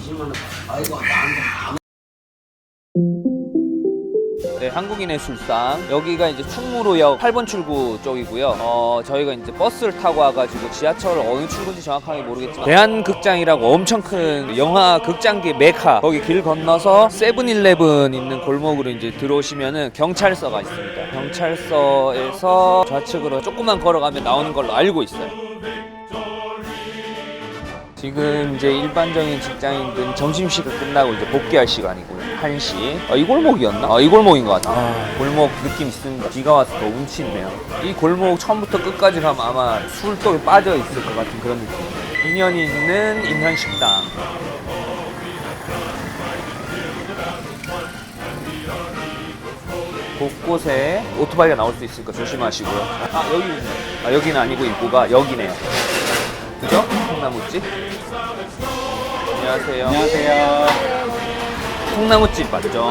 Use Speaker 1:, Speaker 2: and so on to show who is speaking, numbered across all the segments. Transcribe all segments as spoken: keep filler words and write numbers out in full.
Speaker 1: 네, 한국인의 술상. 여기가 이제 충무로역 팔 번 출구 쪽이고요. 어, 저희가 이제 버스를 타고 와가지고 지하철 어느 출구인지 정확하게 모르겠지만 대한극장이라고 엄청 큰 영화 극장계 메카, 거기 길 건너서 세븐일레븐 있는 골목으로 이제 들어오시면은 경찰서가 있습니다. 경찰서에서 좌측으로 조금만 걸어가면 나오는 걸로 알고 있어요. 지금 이제 일반적인 직장인들은 점심시간 끝나고 이제 복귀할 시간이고요. 한 시. 아, 이 골목이었나? 아, 이 골목인 것 같아. 아, 골목 느낌 있습니다. 비가 와서 더 운치 있네요. 이 골목 처음부터 끝까지 가면 아마 술독에 빠져 있을 것 같은 그런 느낌. 인연이 있는 인현식당. 곳곳에 오토바이가 나올 수 있으니까 조심하시고요. 아, 여기 있네. 아, 여기는 아니고 입구가 여기네요. 그죠? 콩나무집. 안녕하세요.
Speaker 2: 안녕하세요.
Speaker 1: 콩나무집 맞죠?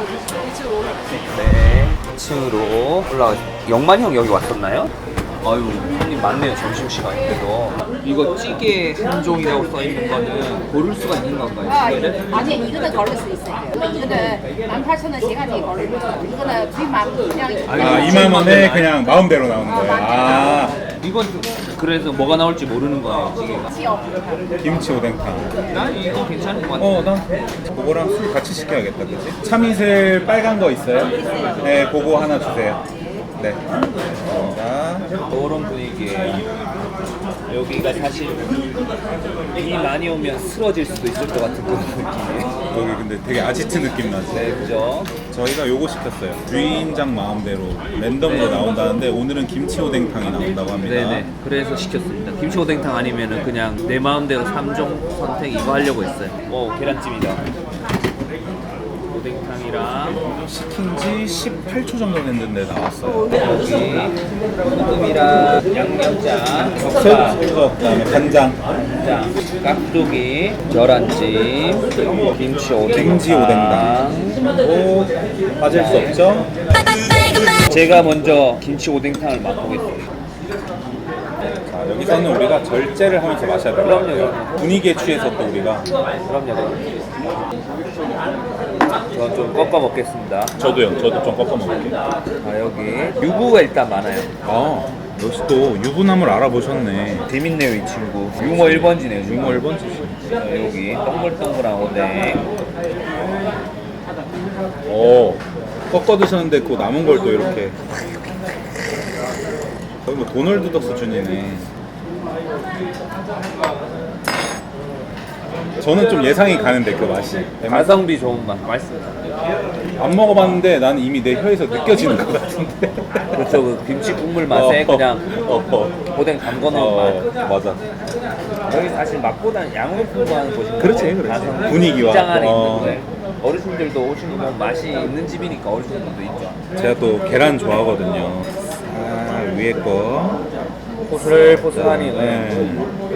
Speaker 1: 네. 이 층으로 올라가겠습니다. 영만이 형 여기 왔었나요? 아유, 형님 많네요. 점심시간인데도. 이거 찌개 한 종이라고 써있는 거는 고를 수가 있는 건가요?
Speaker 3: 아,
Speaker 1: 찌개를?
Speaker 3: 아니 이거는 걸을 수 있어요. 이거는 만 팔천 원 세 가지 걸고 이거는 구입만 그냥
Speaker 2: 아, 이만 원에 그냥 마음대로 나오는 거예요. 아,
Speaker 1: 이건 그래서 뭐가 나올지 모르는 거예요, 찌개가.
Speaker 3: 지역.
Speaker 2: 김치 오뎅탕.
Speaker 1: 난 이거 괜찮은 것 같아.
Speaker 2: 어, 난 그거랑 술 같이 시켜야겠다, 그치? 참이슬 빨간 거 있어요? 네, 그거 하나 주세요. 네. 자,
Speaker 1: 이런 분위기예요. 여기가 사실 비 많이 오면 쓰러질 수도 있을 것 같은 그런 느낌이에요.
Speaker 2: 여기 근데 되게 아지트 느낌 나지?
Speaker 1: 네, 그죠?
Speaker 2: 저희가 요거 시켰어요. 주인장 마음대로 랜덤으로 나온다는데 오늘은 김치 오뎅탕이 나온다고 합니다.
Speaker 1: 네네. 그래서 시켰습니다. 김치 오뎅탕 아니면은 그냥 내 마음대로 삼 종 선택 이거 하려고 했어요. 오, 계란찜이다. 오뎅탕이랑
Speaker 2: 시킨 지 십팔 초 정도 됐는데 나왔어요.
Speaker 1: 여기 소금이랑 양념장, 젓갈,
Speaker 2: 새우젓, 그다음에 간장,
Speaker 1: 장, 깍두기, 계란찜, 김치 오뎅탕.
Speaker 2: 김치 오뎅탕. 오, 빠질 수 없죠?
Speaker 1: 제가 먼저 김치 오뎅탕을 맛보겠습니다.
Speaker 2: 자, 여기서는 우리가 절제를 하면서 마셔야 돼요.
Speaker 1: 그럼요, 그럼요.
Speaker 2: 분위기에 취해서 또 우리가.
Speaker 1: 그럼요, 그럼요. 저 좀 꺾어 먹겠습니다.
Speaker 2: 저도요. 저도 좀 꺾어 먹을게요.
Speaker 1: 아, 여기 유부가 일단 많아요.
Speaker 2: 아, 역시 또 유부남을 알아보셨네.
Speaker 1: 재밌네요, 이 친구. 유머 일 번지네요.
Speaker 2: 유머 일 번지시.
Speaker 1: 여기 동글동글한 오뎅.
Speaker 2: 오, 꺾어 드셨는데 그 남은 걸 또 이렇게. 거의 뭐 도널드 덕 수준이네. 저는 좀 예상이 가는데 그 맛이.
Speaker 1: 가성비 좋은 맛. 맛있습니다.
Speaker 2: 안 먹어봤는데 나는 이미 내 혀에서 느껴지는 것 같은데.
Speaker 1: 그렇죠. 그 김치 국물 맛에
Speaker 2: 어,
Speaker 1: 그냥
Speaker 2: 어, 어.
Speaker 1: 오뎅 담궈놓은
Speaker 2: 어,
Speaker 1: 맛.
Speaker 2: 맞아.
Speaker 1: 여기 사실 맛보다는 양으로 풍부한 곳인데
Speaker 2: 그렇지, 그렇지.
Speaker 1: 가성비.
Speaker 2: 분위기와.
Speaker 1: 직장 안에
Speaker 2: 어.
Speaker 1: 있는데 어르신들도 오시는 건 맛이 있는 집이니까 어르신들도 있죠.
Speaker 2: 제가 또 계란 좋아하거든요. 아, 위에 거.
Speaker 1: 포슬포슬하니.
Speaker 2: 네.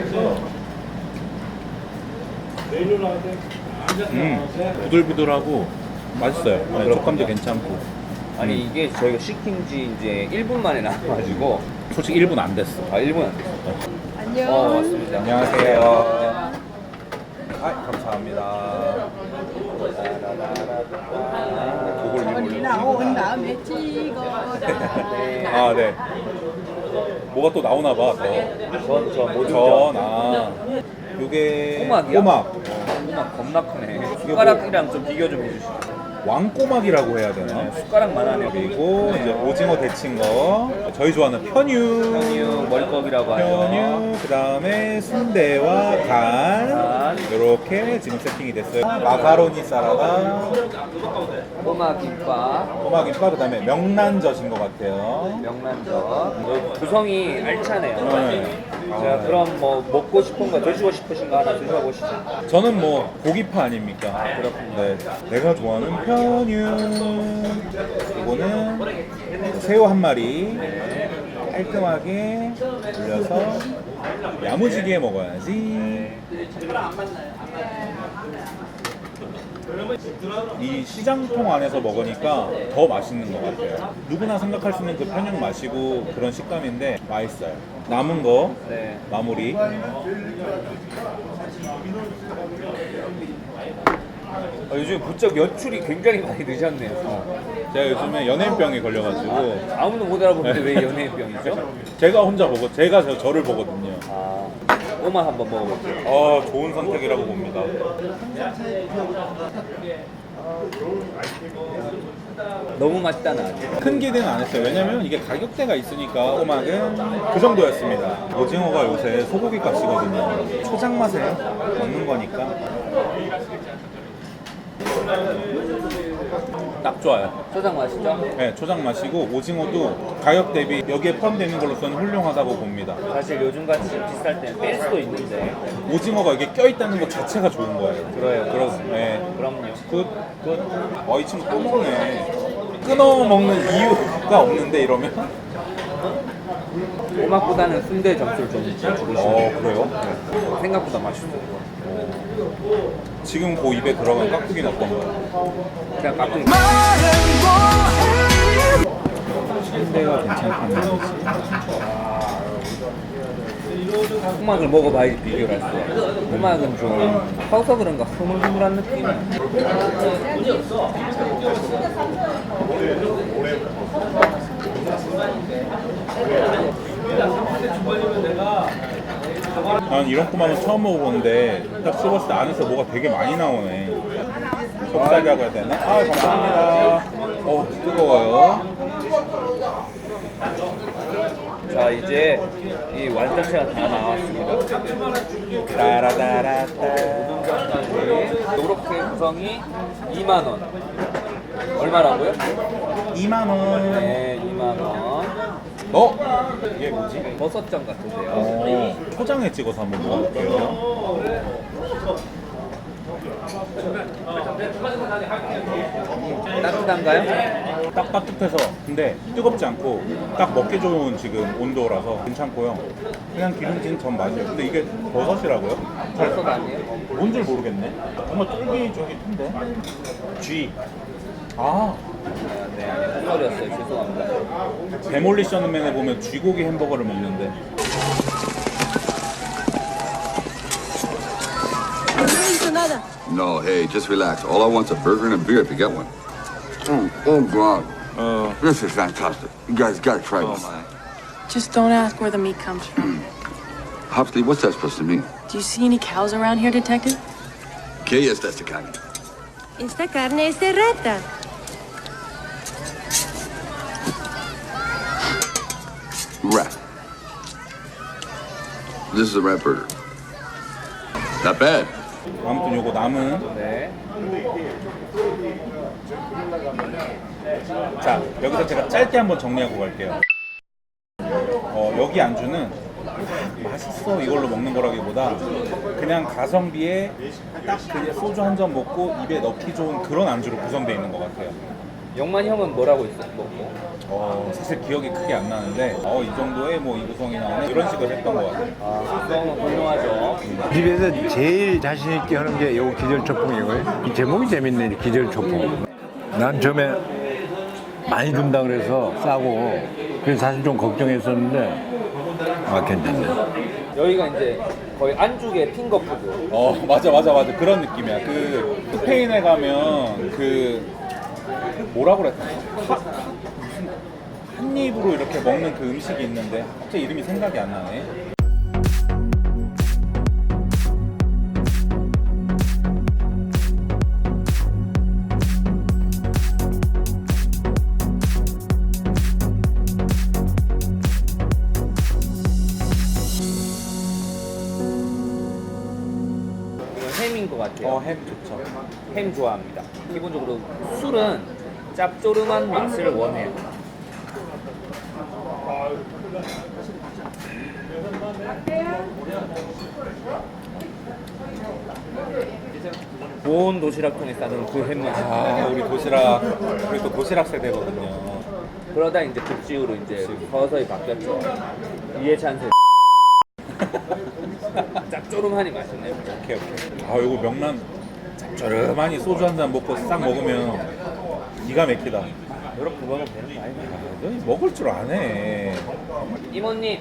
Speaker 2: 음, 부들부들하고 맛있어요. 네, 촉감도 괜찮고.
Speaker 1: 아니 이게 저희가 시킨 지 이제 일 분 만에 나와가지고
Speaker 2: 솔직히 일 분 안 됐어.
Speaker 1: 아 일 분 안 됐어.
Speaker 3: 안녕.
Speaker 1: 어 맞습니다.
Speaker 2: 안녕하세요. 아, 감사합니다. 그걸
Speaker 3: 언니 나온 다음에 찍어라.
Speaker 2: 아, 네. 뭐가 또 나오나 봐. 더.
Speaker 1: 전저 뭐죠?
Speaker 2: 전, 아. 요게
Speaker 1: 꼬막이야?
Speaker 2: 꼬막.
Speaker 1: 꼬막 겁나 크네. 숟가락이랑 좀 비교 좀 해주시죠.
Speaker 2: 왕꼬막이라고 해야 되나?
Speaker 1: 숟가락만 하네요.
Speaker 2: 그리고 이제 오징어 데친 거. 저희 좋아하는 편유.
Speaker 1: 편유 머리컵이라고 하죠.
Speaker 2: 편유, 그 다음에 순대와 간,
Speaker 1: 간.
Speaker 2: 이렇게 지금 세팅이 됐어요. 마카로니 사라다,
Speaker 1: 꼬막 김밥,
Speaker 2: 꼬막김밥, 그 다음에 명란젓인 것 같아요.
Speaker 1: 명란젓. 구성이 알차네요.
Speaker 2: 네.
Speaker 1: 제가
Speaker 2: 아,
Speaker 1: 그럼 뭐 먹고 싶은 거 드시고 싶으신 거 하나 드셔보시죠.
Speaker 2: 저는 뭐 고기파 아닙니까?
Speaker 1: 아, 그렇군요.
Speaker 2: 네. 내가 좋아하는 편유. 이거는 새우 한 마리 깔끔하게 올려서 야무지게 먹어야지. 이 시장통 안에서 먹으니까 더 맛있는 것 같아요. 누구나 생각할 수 있는 그 편육 맛이고 그런 식감인데 맛있어요. 남은 거
Speaker 1: 네.
Speaker 2: 마무리.
Speaker 1: 아, 요즘 부쩍 연출이 굉장히 많이 늦었네요. 어.
Speaker 2: 제가 요즘에 연예인병에 걸려가지고
Speaker 1: 아무도 못 알아보는데 왜 연예인병이죠?
Speaker 2: 제가 혼자 보고 제가 저, 저를 보거든요.
Speaker 1: 아, 꼬마 한번 먹어볼게요.
Speaker 2: 어, 좋은 선택이라고 봅니다.
Speaker 1: 너무 맛있다 나.
Speaker 2: 큰 기대는 안 했어요. 왜냐면 이게 가격대가 있으니까 꼬막은 그 정도였습니다. 오징어가 요새 소고기 값이거든요. 초장 맛에 먹는 거니까 딱 좋아요.
Speaker 1: 초장 맛있죠?
Speaker 2: 네, 초장 맛이고 오징어도 가격 대비 여기에 포함되는 걸로서는 훌륭하다고 봅니다.
Speaker 1: 사실 요즘같이 비쌀 때는 뺄 수도 있는데.
Speaker 2: 오징어가 이게 껴있다는 것 자체가 좋은 거예요.
Speaker 1: 그래요.
Speaker 2: 그렇, 네.
Speaker 1: 그럼요.
Speaker 2: 굿, 굿. 어, 이 친구 또 먹네. 끊어 먹는 이유가 없는데 이러면?
Speaker 1: 꼬막보다는 순대 점수를 좀 주고 싶어요.
Speaker 2: 어, 그래요?
Speaker 1: 생각보다 맛있어요.
Speaker 2: 지금 그 입에 들어간 깍두기는 어떤 거예요?
Speaker 1: 그냥 깍두기.
Speaker 2: 순대가 괜찮다는
Speaker 1: 꼬막을 먹어봐야지 비교를 할 수 있어요. 꼬막은 좀 커서 그런가 흐물흐물한 느낌.
Speaker 2: 난 이런 꼬막은 처음 먹어보는데 딱 씹었을 때 안에서 뭐가 되게 많이 나오네. 속살이라고 해야 되나? 아, 감사합니다. 어, 뜨거워요.
Speaker 1: 자, 이제 이 완전체가 다 나왔습니다.
Speaker 2: 따라다라따.
Speaker 1: 이렇게 구성이 이만 원. 얼마라고요?
Speaker 2: 이만 원.
Speaker 1: 네, 이만 원.
Speaker 2: 어? 이게 뭐지?
Speaker 1: 버섯전 같은데요.
Speaker 2: 어, 초장에 찍어서 한번 먹어볼게요.
Speaker 1: 따뜻한가요?
Speaker 2: 딱 따뜻해서 근데 뜨겁지 않고 딱 먹기 좋은 지금 온도라서 괜찮고요. 그냥 기름진 전 맛이에요. 근데 이게 버섯이라고요?
Speaker 1: 버섯 아니에요?
Speaker 2: 뭔 줄 모르겠네. 정말 쫄깃쫄깃한데. G. 아,
Speaker 1: 네, 아니, 헛소리였어요. 죄송합니다.
Speaker 2: 데몰리션맨에 보면 쥐고기 햄버거를 먹는데.
Speaker 4: No, hey, just relax. All I want's a burger and a beer if you get one. Mm, oh, God.
Speaker 2: 어,
Speaker 4: This is fantastic. You guys gotta try this.
Speaker 5: Just don't ask where the meat comes from.
Speaker 4: Hopsley, what's that supposed to mean?
Speaker 5: Do you see any cows around here, Detective?
Speaker 4: ¿Qué es esta carne?
Speaker 6: Esta carne es de rata.
Speaker 4: Rat. This is a rat burger. Not bad.
Speaker 2: 아무튼 요거 남은.
Speaker 1: 네.
Speaker 2: 자, 여기서 제가 짧게 한번 정리하고 갈게요. 어, 여기 안주는 맛있어 이걸로 먹는 거라기보다 그냥 가성비에 딱 그냥 소주 한 잔 먹고 입에 넣기 좋은 그런 안주로 구성되어 있는 것 같아요.
Speaker 1: 영만 형은 뭐라고 있었어? 뭐,
Speaker 2: 어, 사실 기억이 크게 안 나는데 어, 이 정도의 뭐 이 구성이 나오네 이런 식으로 했던 것 같아요.
Speaker 1: 아, 구성은 훌륭하죠.
Speaker 7: 집에서 제일 자신 있게 하는 게 요 기절초풍이고요. 이 제목이 재밌네, 기절초풍. 난 처음에 많이 준다 그래서 싸고 그래서 사실 좀 걱정했었는데 아 괜찮네.
Speaker 1: 여기가 이제 거의 안쪽에 핑거푸드.
Speaker 2: 어, 맞아 맞아 맞아 그런 느낌이야. 그 스페인에 가면 그 뭐라고 그랬나? 하- 무슨 한 입으로 이렇게 먹는 그 음식이 있는데 갑자기 이름이 생각이 안 나네.
Speaker 1: 이건 햄인 것 같아요.
Speaker 2: 어, 햄 좋죠.
Speaker 1: 햄 좋아합니다. 기본적으로 술은 짭조름한 맛을 원해요. 좋은 도시락통에 싸는 그 햄 맛.
Speaker 2: 아, 우리 도시락 우리 또 도시락 세대거든요.
Speaker 1: 그러다 이제 북지으로 이제 서서히 바뀌었죠. 이해찬 세. 짭조름하니 맛있네요.
Speaker 2: 오케이 오케이. 아, 이거 명란 짭조름하니 소주 한 잔 먹고 싹 먹으면 기가 막히다.
Speaker 1: 이렇게 먹으면 되는 거 아니에요?
Speaker 2: 너 먹을 줄 아네.
Speaker 1: 이모님,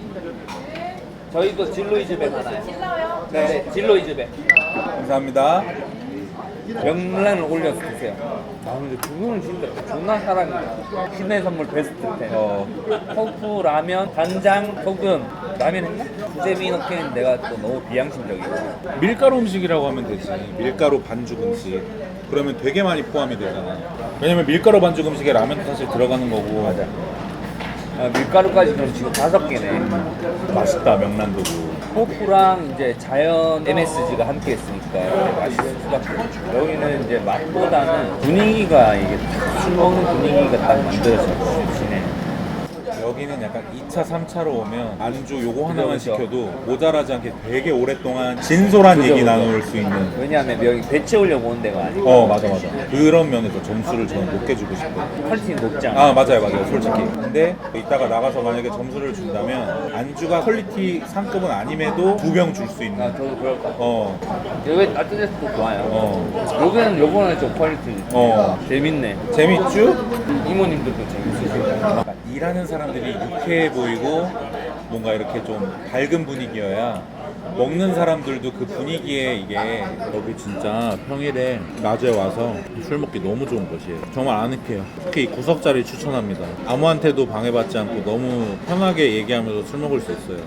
Speaker 1: 저희도 진로이즈백 하나요? 진로요? 네, 진로이즈백.
Speaker 2: 감사합니다.
Speaker 1: 명란을 올려서 드세요. 아 근데 두 분은 진짜 존나 사랑이다. 신의 선물 베스트 텐.
Speaker 2: 어,
Speaker 1: 토fu, 라면, 간장, 소금. 라면 했나? 수제비 넣기는 내가 또 너무 비양심적이고.
Speaker 2: 밀가루 음식이라고 하면 되지. 밀가루 반죽 음식. 그러면 되게 많이 포함이 되잖아. 왜냐면 밀가루 반죽 음식에 라면도 사실 들어가는 거고.
Speaker 1: 맞아. 아, 밀가루까지 그럼 지금 다섯 개네.
Speaker 2: 맛있다, 명란도구.
Speaker 1: 토프랑 이제 자연 엠에스지가 함께 했으니까 이렇게 맛있을 수밖에 없죠. 여기는 이제 맛보다는 분위기가 이게 딱 술 먹는 분위기가 딱 만들어지네.
Speaker 2: 여기는 약간 이 차, 삼 차로 오면 안주 요거 하나만
Speaker 1: 그죠, 그죠.
Speaker 2: 시켜도 모자라지 않게 되게 오랫동안 진솔한
Speaker 1: 그죠,
Speaker 2: 얘기
Speaker 1: 그죠.
Speaker 2: 나눌 수 있는.
Speaker 1: 왜냐하면 여기 배 채우려고 온 데가 아니고
Speaker 2: 어, 맞아, 맞아. 그런 면에서 점수를 저는 높게 주고 싶어요.
Speaker 1: 퀄리티는 높지 않아.
Speaker 2: 아, 맞아요, 맞아요, 솔직히. 근데 이따가 나가서 만약에 점수를 준다면 안주가 퀄리티 상급은 아님에도 두 병 줄 수
Speaker 1: 아,
Speaker 2: 있는.
Speaker 1: 저도 그럴 것 같아요.
Speaker 2: 어,
Speaker 1: 여기 따뜻해서도 좋아요.
Speaker 2: 어,
Speaker 1: 여기는 요번에 좀 퀄리티
Speaker 2: 어.
Speaker 1: 재밌네.
Speaker 2: 재밌죠?
Speaker 1: 이모님들도 재밌으시고.
Speaker 2: 약간 일하는 사람들이 유쾌해 보이고 뭔가 이렇게 좀 밝은 분위기여야 먹는 사람들도 그 분위기에 이게 여기 진짜 평일에 낮에 와서 술 먹기 너무 좋은 곳이에요. 정말 아늑해요. 특히 이 구석자리 추천합니다. 아무한테도 방해받지 않고 너무 편하게 얘기하면서 술 먹을 수 있어요.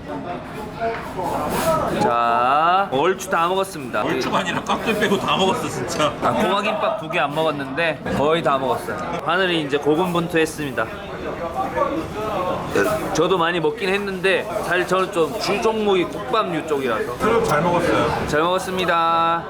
Speaker 1: 자, 얼추 다 먹었습니다.
Speaker 2: 얼추가 아니라 깍들 빼고 다 먹었어 진짜.
Speaker 1: 아, 고막김밥 두 개 안 먹었는데 거의 다 먹었어요. 하늘이 이제 고군분투했습니다. 저도 많이 먹긴 했는데 사실 저는 좀 주 종목이 국밥류 쪽이라서
Speaker 2: 수육 잘 먹었어요.
Speaker 1: 잘 먹었습니다.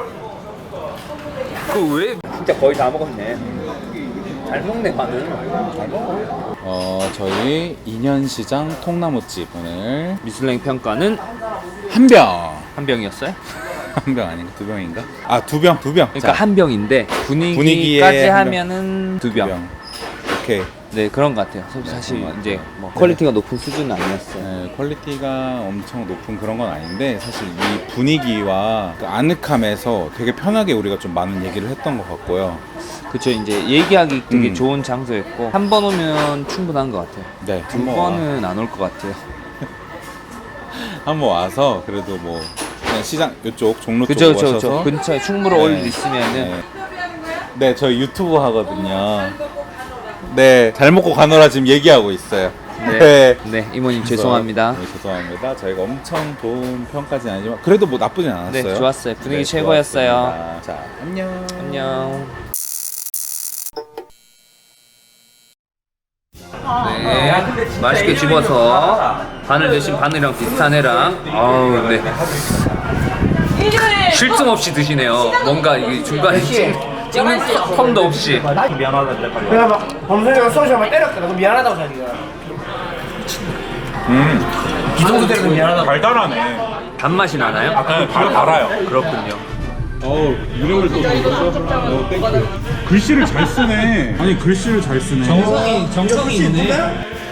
Speaker 1: 그 왜 진짜 거의 다 먹었네. 잘 먹네 마늘. 잘 먹어.
Speaker 8: 어, 저희 인현시장 통나무집 오늘
Speaker 1: 미슐랭 평가는
Speaker 8: 한 병!
Speaker 1: 한 병이었어요?
Speaker 8: 한 병 아닌가? 두 병인가?
Speaker 2: 아, 두 병, 두 병.
Speaker 1: 그러니까 한 병인데
Speaker 2: 분위기에
Speaker 1: 분위기까지
Speaker 2: 한 병.
Speaker 1: 하면은 두 병.
Speaker 2: 오케이.
Speaker 1: 네 그런 것 같아요. 사실
Speaker 8: 그런 것
Speaker 1: 이제
Speaker 8: 같아요.
Speaker 1: 뭐 퀄리티가 높은 수준은 아니었어요.
Speaker 8: 네, 퀄리티가 엄청 높은 그런 건 아닌데 사실 이 분위기와 그 아늑함에서 되게 편하게 우리가 좀 많은 얘기를 했던 것 같고요.
Speaker 1: 그쵸 이제 얘기하기 되게
Speaker 8: 음.
Speaker 1: 좋은 장소였고 한 번 오면 충분한 것 같아요.
Speaker 8: 네,
Speaker 1: 두
Speaker 8: 한번 와-
Speaker 1: 번은 안 올 것 같아요.
Speaker 8: 한번 와서 그래도 뭐 그냥 시장 이쪽 종로
Speaker 1: 그쵸
Speaker 8: 쪽
Speaker 1: 그쵸
Speaker 8: 오셔서
Speaker 1: 그쵸 근처에 충무로
Speaker 8: 네.
Speaker 1: 올 일 있으면은
Speaker 8: 네. 네, 저희 유튜브 하거든요. 네, 잘 먹고 가노라 지금 얘기하고 있어요.
Speaker 1: 네, 네 이모님 죄송합니다.
Speaker 8: 네, 죄송합니다. 저희가 엄청 좋은 평까지는 아니지만 그래도 뭐 나쁘진 않았어요.
Speaker 1: 네 좋았어요. 분위기
Speaker 8: 네,
Speaker 1: 최고였어요.
Speaker 8: 좋았습니다. 자, 안녕.
Speaker 1: 안녕. 네, 맛있게 집어서 바늘 대신 바늘이랑 비슷한 애랑 아우 네. 쉴 틈 없이 드시네요. 뭔가 이게 중간에 찍- 찍는 텀도 없이.
Speaker 9: 내가 막 범선이가 쏘시면 때렸거든. 그럼 미안하다고 자기가.
Speaker 2: 음,
Speaker 9: 이 정도 때려도 미안하다고.
Speaker 2: 달달하네.
Speaker 1: 단맛이 나나요?
Speaker 2: 아, 달, 달아요.
Speaker 1: 그렇군요.
Speaker 2: 어우, 이름을 또 적었어? 어, 땡큐. 글씨를 잘 쓰네. 아니, 글씨를 잘 쓰네.
Speaker 1: 정성이 정성이 있네.